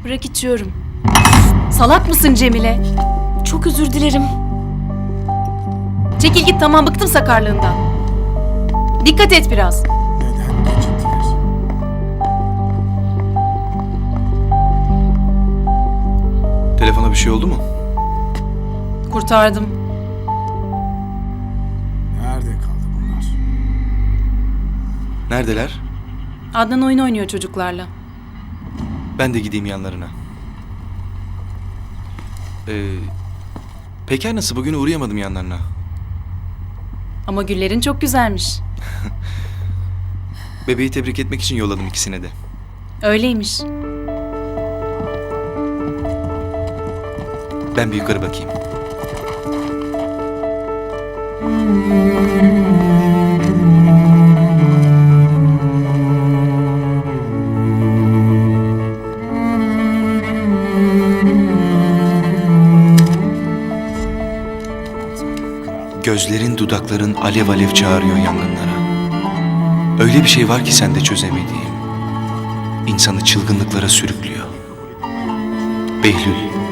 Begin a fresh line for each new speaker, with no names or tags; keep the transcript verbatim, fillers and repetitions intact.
Bırak içiyorum. Salak mısın Cemile?
Çok özür dilerim.
Çekil git, tamam, bıktım sakarlığından. Dikkat et biraz.
Neden geciktiler?
Telefona bir şey oldu mu?
Kurtardım.
Nerede kaldı bunlar?
Neredeler?
Adnan oyun oynuyor çocuklarla.
Ben de gideyim yanlarına. Ee, Peker nasıl? Bugün uğrayamadım yanlarına.
Ama güllerin çok güzelmiş.
Bebeği tebrik etmek için yolladım ikisine de.
Öyleymiş.
Ben bir yukarı bakayım. Gözlerin, dudakların alev alev çağırıyor yangınlara. Öyle bir şey var ki sende çözemediğim. İnsanı çılgınlıklara sürüklüyor. Behlül.